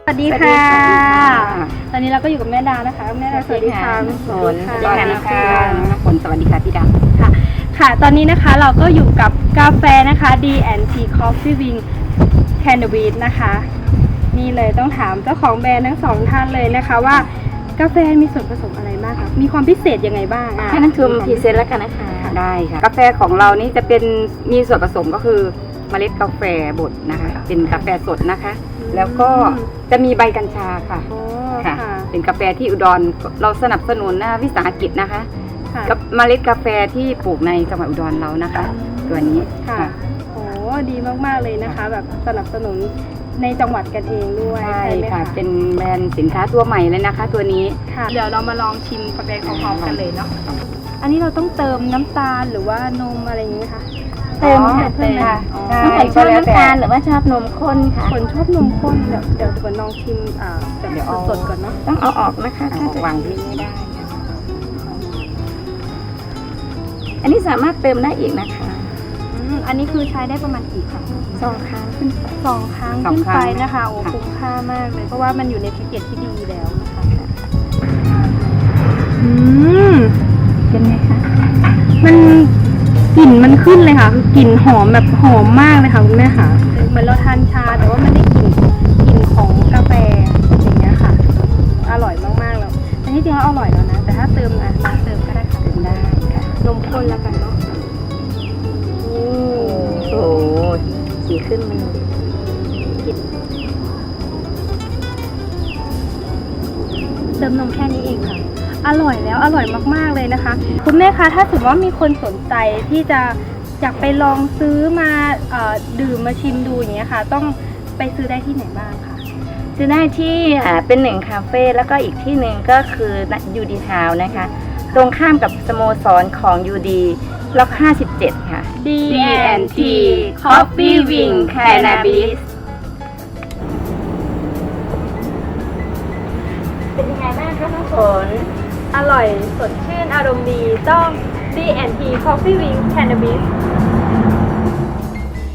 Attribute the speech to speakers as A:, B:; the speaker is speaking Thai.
A: สวัสดีค่ะตอนนี้เราก็อยู่กับแม่ดานะคะแม่ดาสวัสดีค่ะ
B: ฝนสวัสดีค่ะฝนสวัสดีค่ะพี่ดา
A: ค่ะตอนนี้นะคะเราก็อยู่กับกาแฟนะคะ D&T Coffee Wing Cannabis นะคะนี่เลยต้องถามเจ้าของแบรนด์ทั้งสองท่านเลยนะคะว่ากาแฟมีส่วนผสมอะไรบ้างคะมีความพิเศษยังไงบ้าง
B: ให้นักทุนพรีเซนต์แล้วกันนะคะได้ค่ะกาแฟของเรานี่จะเป็นมีส่วนผสมก็คือเมล็ดกาแฟบดนะคะเป็นกาแฟสดนะคะแล้วก็จะมีใบกัญชาค่ะค่ะเป็นกาแฟที่อุดรเราสนับสนุนวิสาหกิจนะคะกับเมล็ดกาแฟที่ปลูกในจังหวัดอุดรเรานะคะตัวนี้
A: ค่ะโอ้ดีมากๆเลยนะคะแบบสนับสนุนในจังหวัดกันเองด้วย
B: ใช่ค่ะเป็นแบรนด์สินค้าตัวใหม่เลยนะคะตัวนี้
A: ค่ะเดี๋ยวเรามาลองชิมกาแฟพร้อมๆกันเลยเนาะอันนี้เราต้องเติมน้ำตาลหรือว่านมอะไรอย่างนี้ไหมคะ
B: เติมค่ะเติมค่ะน้องฝนชอบน้ำตาลหรือว่าชอบนมข้นค่ะ
A: ฝนชอบนมข้นเดี๋ยวฝนลองชิมแบบสดๆก่อนเนาะ
B: ต้องเอาออกนะคะวางที่ไม่ได้อันนี้สามารถเติมได้อีกนะคะ
A: อันนี้คือใช้ได้ประมาณกี่ครั้ง
B: 2 ครั้งขึ้นไป
A: 2 ครั้งขึ้นไปนะคะโอ้คุ้มค่ามากเลยเพราะว่ามันอยู่ในแพ็กเกจที่ดีแล้วนะคะ
B: เป็นไงคะ
A: มันกลิ่นมันขึ้นเลยค่ะคือกลิ่นหอมแบบหอมมากเลยค่ะคุณแม่ค่ะเหมือนเราทานชาแต่ว่ามันได้กลิ่นของกาแฟอย่างเงี้ยค่ะอร่อยมากๆแล้วแต่ที่จริงแล้วอร่อยแล้วนะแต่ถ้าเติมน้ำเติมก็ได้ค่ะ
B: เติมได้ค่ะ
A: นมข้นแล้วกันเนาะ
B: โอ้โหสีขึ้นมัน
A: เติมนมแค่นี้เองค่ะอร่อยแล้วอร่อยมากๆเลยนะคะคุณแม่คะถ้าสมมติว่ามีคนสนใจที่จะอยากไปลองซื้อมาดื่มมาชิมดูอย่างเงี้ยค่ะต้องไปซื้อได้ที่ไหนบ้างคะ
B: ซื้อได้ที่เป็น1 คาเฟ่แล้วก็อีกที่หนึ่งก็คือยูดีทาวนะคะตรงข้ามกับสโมสรของยูดีล็อก57ค่ะ
A: D&T Coffee Wing Cannabis
B: เป็นยังไงบ้างคะน้องฝน
A: อร่อยสดชื่นอารมณ์ดีต้อง D&T Coffee Wing Cannabis